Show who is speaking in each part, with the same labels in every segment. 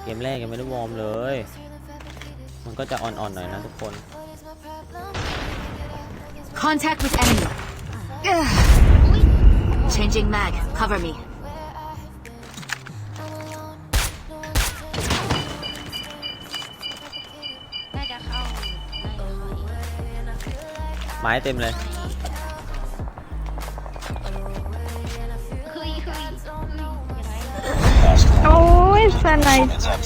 Speaker 1: มแรกยังไม่ได้วอร์มเลยมันก็จะอ่อนๆหน่อยนะทุกคน
Speaker 2: Contact with enemy. Changing mag. Cover me.
Speaker 3: น่าจะเข้า
Speaker 1: ไม้เต็มเลย
Speaker 4: โอ้ยสไนป์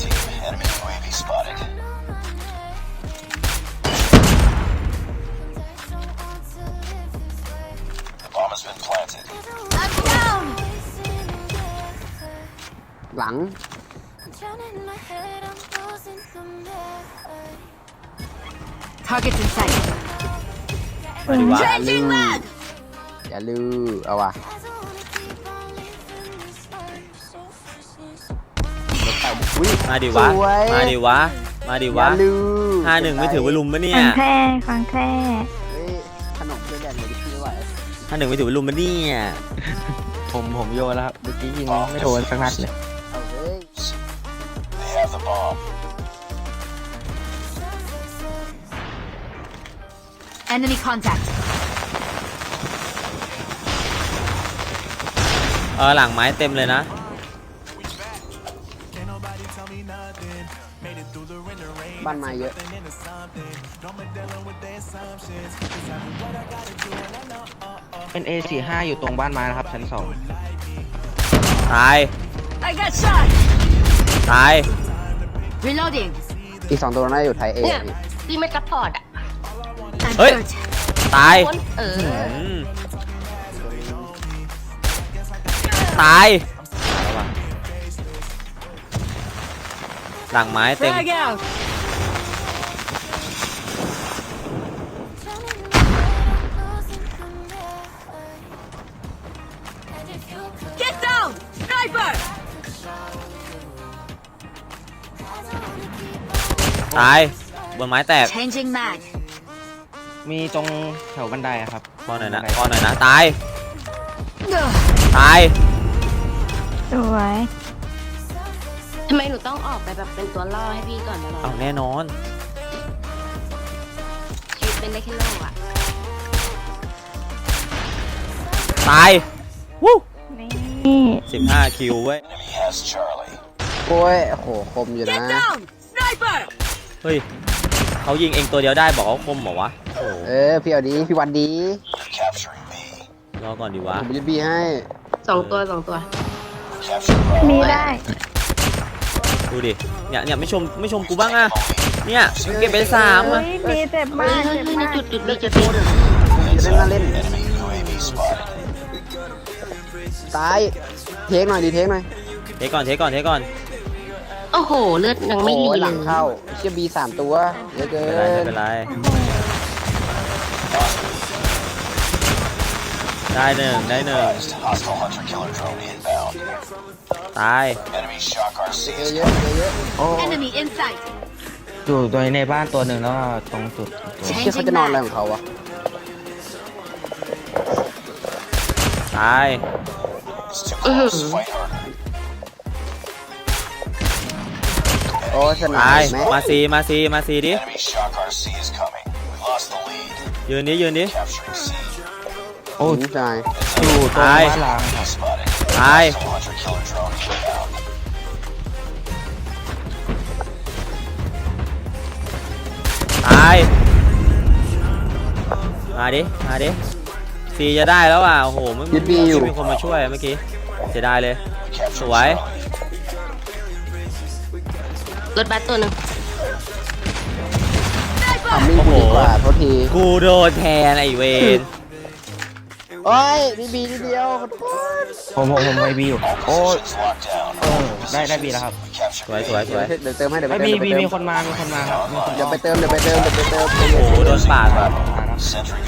Speaker 5: หลัง
Speaker 2: Targets in sight.
Speaker 1: มาดิวะ
Speaker 2: Changing mag.
Speaker 5: อย่าลือเอาว่ะอุ้ย
Speaker 1: มาดิวะ
Speaker 5: สวย
Speaker 1: มาดิวะมาดิ
Speaker 5: อย่าว
Speaker 1: ะ
Speaker 5: ลือ
Speaker 1: 51ไม่ถือว่าลุมปะเนี่ย
Speaker 4: ของแท้ของแท้
Speaker 5: เฮ้ยขนมเพื่อนแดนเลยพี่ไหว
Speaker 1: 51ไม่ถือว่าลุมปะเนี่ย
Speaker 6: ผมโยนแล้วครับเมื่อกี้ยิงไม่โดนสักนัดเลย
Speaker 5: เอาเฮ้ย
Speaker 2: Enemy contact.
Speaker 1: หลังไม้เต็มเลยนะ
Speaker 5: บ้านไม้เยอะ
Speaker 6: เป็น A45 อยู่ตรงบ้านไม้นะครับชั้น2
Speaker 1: ตาย
Speaker 2: I got shot.
Speaker 1: ตาย
Speaker 2: Reloading.
Speaker 5: อีก2ตัวน่าจะอยู่ไทยเอ
Speaker 3: เนี่ย
Speaker 5: พี่
Speaker 3: ที่ไม่ซัพพอร์ตอ่ะ
Speaker 2: I'm
Speaker 1: Hey.
Speaker 2: hurt.
Speaker 1: ตาย
Speaker 3: คน
Speaker 1: อืมตายเอาวะหลังไม้เต็ม
Speaker 2: Frag out. Get down. Sniper.
Speaker 1: ตายบนไม้แตก
Speaker 2: Changing mag.
Speaker 6: มีตรงแถวบันไดอะครับ
Speaker 1: พอหน่อยนะ
Speaker 6: บัได
Speaker 1: พอหน่อยนะตายตาย
Speaker 4: สวย
Speaker 3: ทำไมหนูต้องออกไปแบบเป็นตัวล่อให้พี่ก่อนตลอ
Speaker 1: เอา
Speaker 3: ด
Speaker 1: แน่นอน
Speaker 3: ชีวิตเป็นได้แค่โล่อ่ะ
Speaker 1: ตายวู้
Speaker 4: นี่
Speaker 1: 15คิวเว้ย
Speaker 5: โอ้ยโอ้โหคมอยู่นะ
Speaker 2: Get down. Sniper.
Speaker 1: เฮ้ยเขายิงเองตัวเดียวได้บอกเขาคมเหรอวะโอ้โห
Speaker 5: พี่เอาดีพี่วันดี
Speaker 1: รอก่อนดีวะ
Speaker 5: ผมจะบีให้
Speaker 3: สองตัว
Speaker 4: มีได้
Speaker 1: ดูดิเนี่ยไม่ชมกูบ้างอะเนี่ยเก็บไป3
Speaker 4: เฮ้
Speaker 1: อะ
Speaker 4: ยมีเจ็บมากเจ็บมาก
Speaker 3: จุดนี้จุดนี้
Speaker 5: จะเล่นน่าเล่นตายเทคหน่อยดีเทคหน่อย
Speaker 1: เทก่อนเทก่อน
Speaker 3: โอ้โห เลือดยังไม่มี
Speaker 5: โอ้ยห
Speaker 3: เล
Speaker 5: ลัง
Speaker 3: ย
Speaker 5: เข้าเชี่ยบี3ตัวเยอะเกิ
Speaker 1: ไม่
Speaker 5: น
Speaker 1: เป็นไรได้หนึ่งตาย
Speaker 5: เยอะ
Speaker 6: โอ้
Speaker 2: Enemy in sight.
Speaker 6: อยู่ตัวในบ้านตัวหนึ่งแล้วก็ตรงจุดตัว
Speaker 5: เชี่ยเขาจะนอนอะไรของเขาวะ
Speaker 1: ตาย
Speaker 5: โอ้สนา
Speaker 1: ตาย
Speaker 5: ยไหม
Speaker 1: มาซีดิยืนดิ
Speaker 6: โอ้
Speaker 5: ใช่
Speaker 6: อยู่ตรง
Speaker 1: ตาย
Speaker 6: บ้านล้างครับ
Speaker 1: ตายมาดิซีจะได้แล้วอ่ะโอ้โหไม่มีคนมาช่วยเมื่อกี้เสียดายเลยสวย
Speaker 3: รถบัสตัวหนึ่ง
Speaker 5: ทำมิ่งกูดีกว่าโทษที
Speaker 1: กูโดนแทนไอเวน
Speaker 5: โอ้ยบีนิดเดียวขอโทษ
Speaker 6: ผมไปบีอยู่โอ้ได้บีแล้วครับ
Speaker 1: สวย
Speaker 5: เดี๋ยวเติมให้เดี๋ยวไป
Speaker 6: ไม่
Speaker 5: เติม
Speaker 6: มีคนมาครับมีคน
Speaker 5: เดี๋ยวไปเติม
Speaker 1: โอ้โหโดนปาดแบบ
Speaker 6: มาแล้ว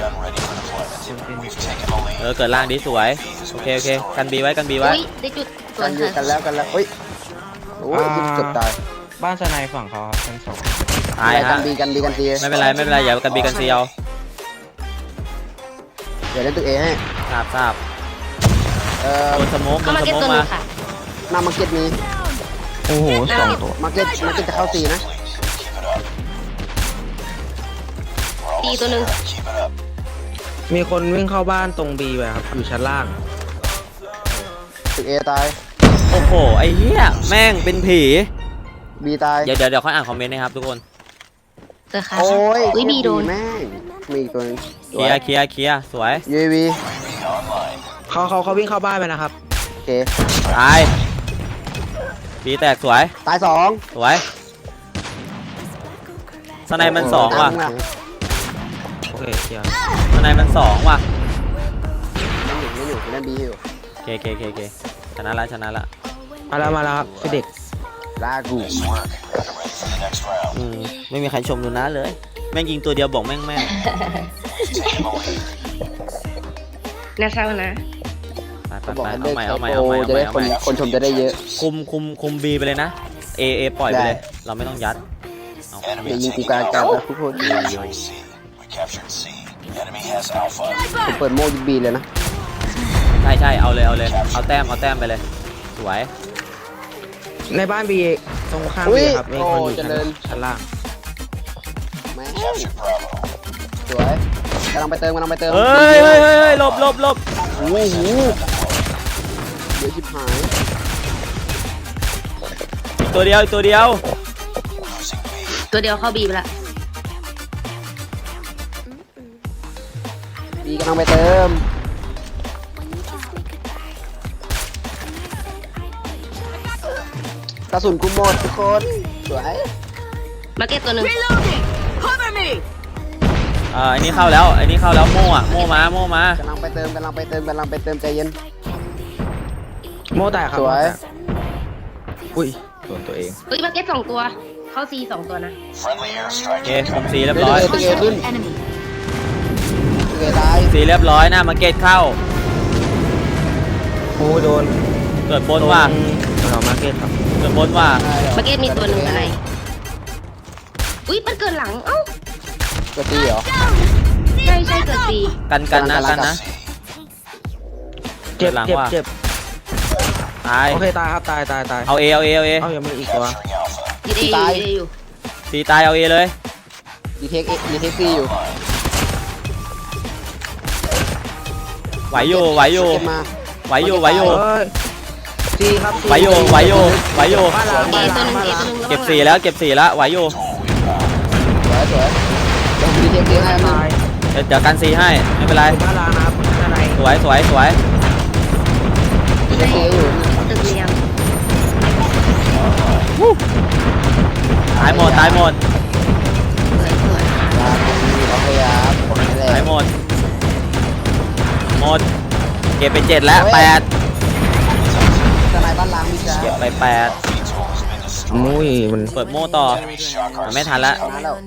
Speaker 1: เกิดล่างดีสวยโอเคกันบีไว้
Speaker 3: อุ้ยได้จุดส่ว
Speaker 5: กัน นอยู่
Speaker 3: ค่ะ
Speaker 5: กันแล้วเฮ้ยโอ้ยเกือบตาย
Speaker 6: บ้านสไนฝั่งเขาครับชั้น2
Speaker 1: ตาย
Speaker 5: กั
Speaker 1: ฮะ
Speaker 5: นบีกันซี
Speaker 1: ไม่เป็นไรอย่ากันบีกันซีเอา
Speaker 5: เดี๋ยวเล่นตึกเอให้
Speaker 1: ทราบโดนสโมก
Speaker 3: เข้ามาเก็ตตัวห
Speaker 1: มา
Speaker 3: นึ่งค่ะ
Speaker 5: หน้ามาร์เก็ตมี
Speaker 6: โอ้โหสองตัว
Speaker 5: มาเก็ตจะเข้าซีนะ
Speaker 3: ตีตัวหนึ่ง
Speaker 6: มีคนวิ่งเข้าบ้านตรงบีไปครับอยู่ชั้นล่าง
Speaker 5: ตึกเอตาย
Speaker 1: โอ้โหไอ้เหี้ยแม่งเป็นผี
Speaker 5: บีตาย
Speaker 1: เดี๋ยวค่อยอ่านคอมเมนต์นะครับทุกคน
Speaker 3: เจอค่ะ
Speaker 5: โอ้ย
Speaker 3: อุ้ยบีโดน
Speaker 5: แม่งมีอีกตัวนึง
Speaker 1: เคลียร์สวย
Speaker 5: UAV
Speaker 6: เขาวิ่งเข้าบ้านไปนะครับ
Speaker 5: โอเค
Speaker 1: ตายปีแตกสวย
Speaker 5: ตายสอง
Speaker 1: สวยสไนมันสองว่ะ
Speaker 6: โอเคเคลียร์
Speaker 1: สไนมันสองว่ะ
Speaker 5: ไม่อยู่เล่นบีอยู่
Speaker 1: เคชนะละ
Speaker 6: มาแล้วครับพี่เด็ก
Speaker 5: ลากู
Speaker 1: ไม่มีใครชมดูนะเลย แม่งยิงตัวเดียวบอกแม่ง
Speaker 3: น่าเศร้านะ
Speaker 5: เขาบอก
Speaker 1: ไป
Speaker 5: ให้
Speaker 1: เอา
Speaker 5: เลิก
Speaker 1: ใหม่
Speaker 5: ใช้
Speaker 1: เอาใหม่
Speaker 5: โปรจะได้คนชมจะได้เยอะ
Speaker 1: คุมบีไปเลยนะเอปล่อยไปเลย เราไม่ต้องยัดเอา
Speaker 5: อย่ายิงกูกลางกันนะทุกคนผมเปิดโม่ยิงบีเลยนะ
Speaker 1: ใช่เอาเลยเอาแต้มไปเลยสวย
Speaker 6: ในบ้านบีตรงข้าม
Speaker 5: อุ้
Speaker 6: บี
Speaker 5: ย
Speaker 6: ครับมี
Speaker 5: โอ้
Speaker 6: คนอยู่
Speaker 5: เจริญ
Speaker 6: ชั้นล่าง
Speaker 5: แม่งสวยกำลังไปเติม
Speaker 1: เฮ้ยหลบ
Speaker 5: โอ้โหเดี๋ยวชิบหาย
Speaker 1: อีกตัวเดียว
Speaker 3: ตัวเดียวเข้าบีไปละ
Speaker 5: บีกำลังไปเติมกระสุนกูหมดทุกคนสวย
Speaker 3: มาเก็ตตัวหนึ่ง
Speaker 2: Reloading. Cover me.
Speaker 1: ไอ้นี่เข้าแล้วโม่มาก
Speaker 5: ำลังไปเติมใจเย็น
Speaker 6: โม่แตกครับ
Speaker 5: สวย
Speaker 6: โม่แตกอุ้ยโดนตัวเอง
Speaker 3: อุ้ยมาเก็ต2 ตัว เข้าซี2 ตัวนะ
Speaker 1: โอเคคุมซีเรียบร้อย
Speaker 5: ตึกเอขึ้น
Speaker 2: Enemy.
Speaker 5: ตึกเอตาย
Speaker 1: ซีเรียบร้อยหน้ามาร์เก็ตเข้า
Speaker 6: โอ้โดน
Speaker 1: เกิดบนว่ะ
Speaker 6: เรามาร์เก็ตครับ
Speaker 1: เกิดบนว่ะ
Speaker 3: มาเก็ตมีตัวหนึ่งอะไรอุ้ยมันเกิดหลังเอ้า
Speaker 5: กระตีเหรอ
Speaker 3: ใช่เกิดซี
Speaker 1: กันนะ
Speaker 6: เจ็บ
Speaker 1: หลัง
Speaker 6: เจ็บ
Speaker 1: ว่ะ
Speaker 6: เจ็บ
Speaker 1: ตาย
Speaker 6: โอเคตายครับตาย
Speaker 1: เอาเอ
Speaker 6: เอ้ายังมีอีกตัว
Speaker 3: ยืดเออยู่
Speaker 1: ซีตายเอาเอเลย
Speaker 5: ดีเทคซีอยู่
Speaker 1: ไหวอยู่
Speaker 5: เก็บมา
Speaker 1: ไหวอยู่
Speaker 6: เอ้ยซีครับซี
Speaker 1: ไหวอยู่
Speaker 6: บ้านล้าง
Speaker 3: เอ
Speaker 6: บ้าน
Speaker 3: ตัว
Speaker 6: ล้าง
Speaker 3: หนึ่ง
Speaker 6: บ้าน
Speaker 3: เอ
Speaker 6: ล้าง
Speaker 3: ตัวหนึ่ง
Speaker 1: เก็บ4แล้วไหวอยู่
Speaker 5: สวยเดี๋ยวดีเทคซีให้มา
Speaker 6: ตาย
Speaker 1: เดี๋ยวกันซีให้ไม่เป็นไร
Speaker 6: บ้านล้างนะครับด้านใน
Speaker 1: สวย
Speaker 5: ดีเทคซีอยู่
Speaker 3: ตึกเรียง
Speaker 1: ตายหมด
Speaker 3: สวย
Speaker 5: โอเคครับนี่แหละ
Speaker 1: ตายหมดเก็บไป7แล้ว8
Speaker 5: ทนายบ้านล้างมีจ้า
Speaker 1: เก็บไป8
Speaker 6: มุ้ยมัน
Speaker 1: เปิดโม่ต่อมันไม่ทันละ
Speaker 5: มาแล้ว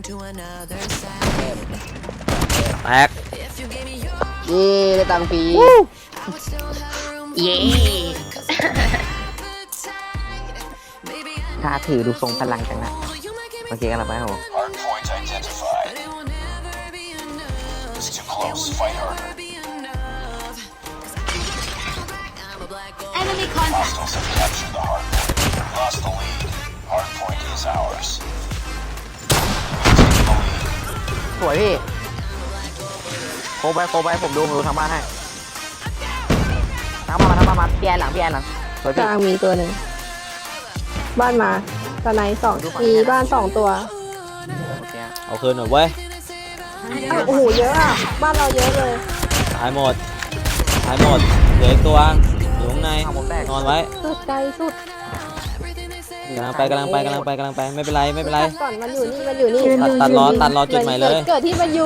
Speaker 1: แตก
Speaker 5: นี่ได้ตังค์ฟรี
Speaker 3: เย้
Speaker 6: ถ้าถือดูทรงพลังจังนะโอเคกันแล้วไปครับผม
Speaker 2: Enemy contact.
Speaker 5: สวยพี่โคไปผมดูทางบ้านให้ทางบ้านพี่แอนหลังสวย
Speaker 4: ก
Speaker 5: พี่
Speaker 4: ลางมีตัวหนึ่งบ้านมาตะไน2มีบ้าน2 ตัว
Speaker 1: เอาคืนหน่อยเว้ย
Speaker 4: อ้าวโอ้โหเยอะอ่ะบ้านเราเยอะเลย
Speaker 1: ตายหมดเหลืออีกตัวอยู่ข้างในนอนไว้
Speaker 4: สุดใจสุด
Speaker 1: กำลังไปไม่เป็นไร
Speaker 4: ก่อนมันอยู่นี่
Speaker 1: ตัดรอจุดใหม่เลย
Speaker 4: เกิดที่มันอยู่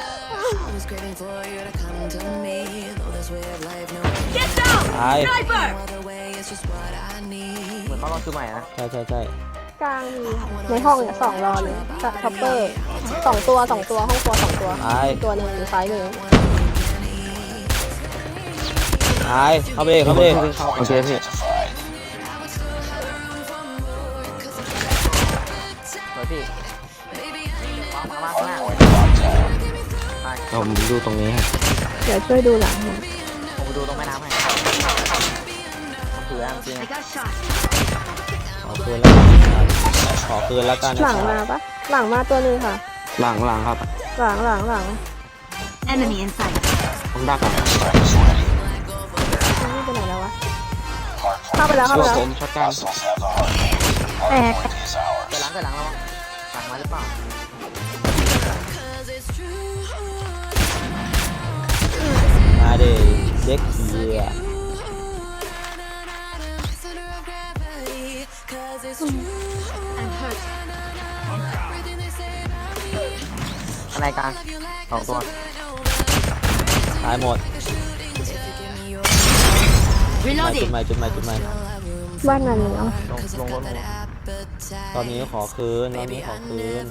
Speaker 2: Get down.
Speaker 1: ตาย
Speaker 2: Sniper.
Speaker 5: เหมือนเขาลองซื้อใหม่นะ
Speaker 1: ใช่
Speaker 4: กลางมีในห้องเนี่ย2 รอเลยท็อปเปอร์2 ตัวห้องครัว2 ตัว
Speaker 1: ตาย
Speaker 4: ตัวหนึ่งอยู่ซ้ายมือ
Speaker 1: ตายเข้าไปดิ
Speaker 6: โอเคพี่
Speaker 5: สวยพี่มาข้างหน้า
Speaker 6: ผมดูตรงนี้ฮะ
Speaker 4: เดี๋ยวช่วยดูหลังหน่อย
Speaker 5: ผมไปดูตรงแม่น้ำให้สวยแล้วจริง
Speaker 2: I got shot.
Speaker 1: ขอคืนแล้วกันขอคืนแล้วกัน
Speaker 4: หลังมาปะหลังมาตัวหนึงค่ะ
Speaker 6: หลังครับ
Speaker 4: หลัง
Speaker 2: Enemy in sight.
Speaker 6: ผมดักอ่ะ
Speaker 4: นี่ไปไหนแล้ววะเข้าไปแล้ว
Speaker 6: ตัวผมช็อตกัน
Speaker 4: แตก
Speaker 5: เกิดหลังแล้ววะหลังมาหรือเปล่า
Speaker 1: มาดิเด็กเหี้ย
Speaker 2: I'm hurt.
Speaker 5: ในกลาง2 ตัว
Speaker 1: ตายหมด
Speaker 2: Reloading.
Speaker 1: จุดใหม่
Speaker 4: บ้านนั้นเนาะ
Speaker 5: ลงรถ
Speaker 1: รอบนี้ขอคืนรอบนี้ขอคืน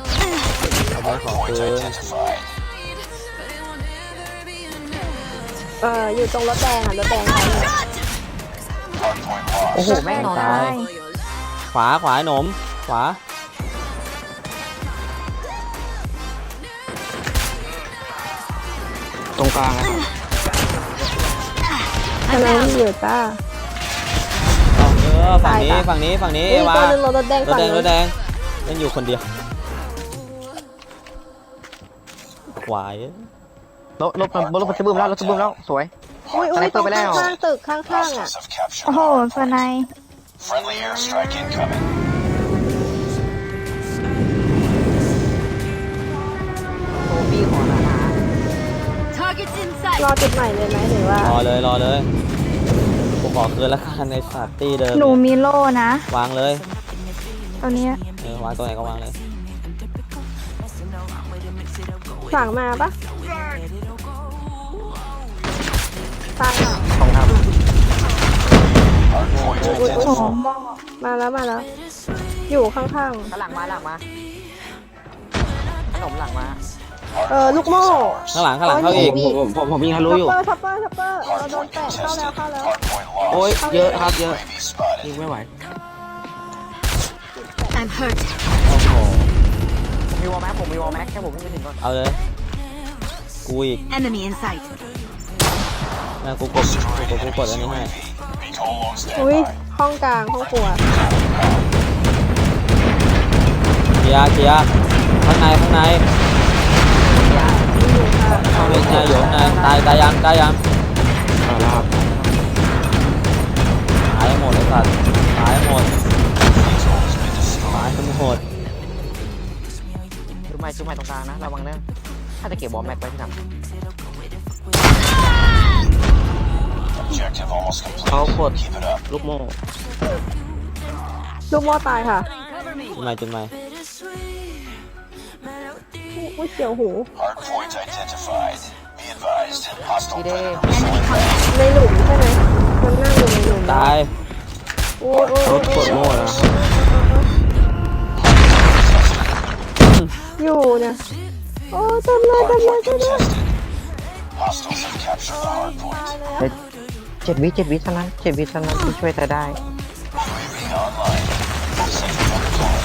Speaker 4: อยู่ตรงรถแดงอ่ะรถแดงใครเนี่ย
Speaker 5: โอ้โหแม่งนอน
Speaker 1: ตายขวาหนมขวา
Speaker 6: ตรงกลางนะครับ
Speaker 4: กำลังอยู่จ้า
Speaker 1: ฝั่งนี้
Speaker 4: ตาย
Speaker 1: ฝั่งนี้
Speaker 4: นี่
Speaker 1: ว่า
Speaker 4: ตัวหนึงรถแดง
Speaker 1: รถ
Speaker 4: ฝั่ง
Speaker 1: แดง
Speaker 4: นู้น
Speaker 1: เล่นอยู่คนเดียวขวาย
Speaker 5: รถจะบึ้มแล้วสวย
Speaker 4: อุ้ย
Speaker 5: สไนเปอร์ไปแล้ว
Speaker 4: ข้างตึกข้างๆอ่ะ โอ้โหสไน
Speaker 7: Friendly airstrike incoming.
Speaker 5: โอ้พี่ขอหนา
Speaker 2: Targets in
Speaker 4: รอ
Speaker 2: sight.
Speaker 4: จุดใหม่เลยไหมหรือว่าร
Speaker 1: อเลยกูขอคืนแล้วกันในสาร์ตี้เดิม
Speaker 8: หนูมีโล่นะ
Speaker 1: วางเลย
Speaker 8: ตัวเนี้ยว
Speaker 1: างตัวไหนก็วางเลย
Speaker 4: ฝั่งมาปะตายอ่ะ
Speaker 5: ๆของครับ
Speaker 4: อุ้ย
Speaker 8: โอ้โห
Speaker 4: มาแล้ว อยู่ข้าง
Speaker 5: หลังมาขนมหลังมา
Speaker 4: ๆลูกโม่
Speaker 1: ข้างหลังเข้าอีก
Speaker 6: ผมยิงทะลุอยู่
Speaker 4: ช็อปเปอร์เราโดนแตะเข้าแล้ว
Speaker 6: โอ้ยเยอะครับเยอะ
Speaker 7: Enemy spotted.
Speaker 6: ยิงไม่ไหว
Speaker 2: I'm hurt.
Speaker 1: โอ้โห
Speaker 5: ผมมีวอลแม็กแค่ผมไม่ถึงก่อน
Speaker 1: เอาเลยกูอีก
Speaker 2: Enemy in sight.
Speaker 1: นะกูกดอันนี้ให้
Speaker 7: Recall on
Speaker 4: อุ้ย
Speaker 7: standby.
Speaker 4: ห้องกลางห้องครัว
Speaker 1: เคลียร์ข้างในอยู่ข้างในตายยัง
Speaker 6: แล้วครับ
Speaker 1: ตายหมดเลยสัตว์ตายหมด
Speaker 5: ชุดใหม่ตรงกลางนะระวังนะถ้าจะเก็บวอลแม็กไว้ที่ทำ
Speaker 7: Objective almost
Speaker 6: เขา
Speaker 7: complete.
Speaker 6: กด
Speaker 7: Keep it up.
Speaker 6: ลูกโม่
Speaker 4: ลูกโม่ตายค่ะ
Speaker 1: จุดใหม่
Speaker 4: อุ้ยเสียวหู
Speaker 7: Hard point identified. Be advised. Hostile
Speaker 5: พี่เด้
Speaker 7: predator.
Speaker 4: ในหลุมใช่ไหมมันนั่งอยู่ในหลุม
Speaker 1: ตาย
Speaker 4: โอ้ย
Speaker 6: รถกดโม่แล้ว
Speaker 4: อยู่เนี่ยโอ้จำเลย
Speaker 7: Contested. Hostiles have captured the hard point.
Speaker 5: 7 วิเท่านั้นที่ช่วยแต่ได้
Speaker 7: UAV online. Sentry deployed.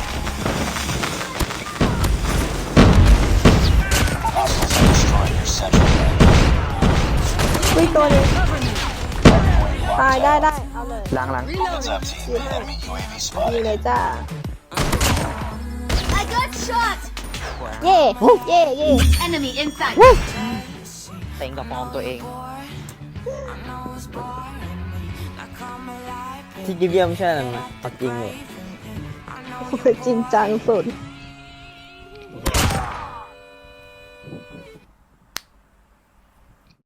Speaker 7: Hostiles have destroyed your central bank.
Speaker 4: อุ้ยตัวนึง
Speaker 7: Hard point
Speaker 4: ตาย
Speaker 7: locked
Speaker 4: ได้
Speaker 7: down.
Speaker 4: เอาเลย
Speaker 5: หลัง
Speaker 7: Heads up, team. Enemy UAV
Speaker 4: มี
Speaker 7: spotted.
Speaker 4: เลยจ้า
Speaker 2: I got shot.
Speaker 4: เย่เย่
Speaker 2: Enemy in sight.
Speaker 5: เต็งกับฟอร์มตัวเอง
Speaker 1: ที่เยี่ยมใช่ไหมปักจริงเลย
Speaker 4: จริงจังสุด